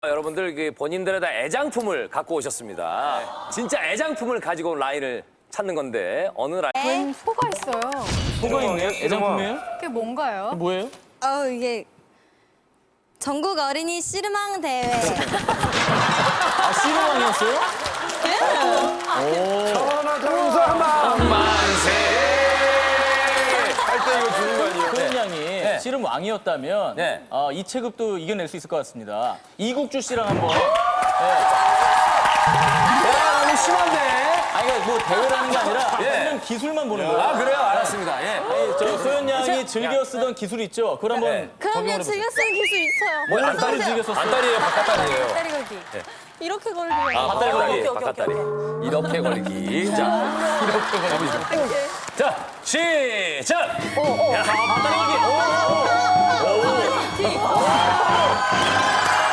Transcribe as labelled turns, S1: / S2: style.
S1: 여러분들 본인들의 다 애장품을 갖고 오셨습니다. 진짜 애장품을 가지고 온 라인을 찾는 건데 어느 라인?
S2: 웬 소가 있어요.
S3: 소가 있네요? 애장품이에요?
S2: 그게 뭔가요?
S3: 뭐예요?
S4: 이게 전국 어린이 씨름왕 대회.
S3: 아, 씨름왕이었어요?
S1: 만세! 할 때 이거 주는 거 아니에요?
S3: 소연 양이 씨름왕이었다면
S1: 네.
S3: 이 체급도 이겨낼 수 있을 것 같습니다. 이국주 씨랑 한번.
S1: 야, 너무 심한데?
S3: 아니, 그러니까 뭐 대회라는 게 아니라
S1: 예.
S3: 씨름 기술만 보는 거예요.
S1: 아, 그래요? 알았습니다. 예.
S3: 아니, 저 소연 양이 즐겨 쓰던 기술 있죠? 그걸 한번
S1: 네.
S4: 그럼요,
S3: 적용을 해보세요.
S4: 즐겨 쓰는 기술 있어요.
S1: 뭐,
S3: 안다리 즐겨 썼어요.
S1: 안다리예요, 바깥다리예요.
S4: 다리 걸기. 이렇게 걸기요.
S1: 아,
S3: 바깥다리 걸기.
S1: 바깥다리. 이렇게 걸기. 자, 이렇게 걸기. 자, 시작!
S3: 바깥다리 걸기.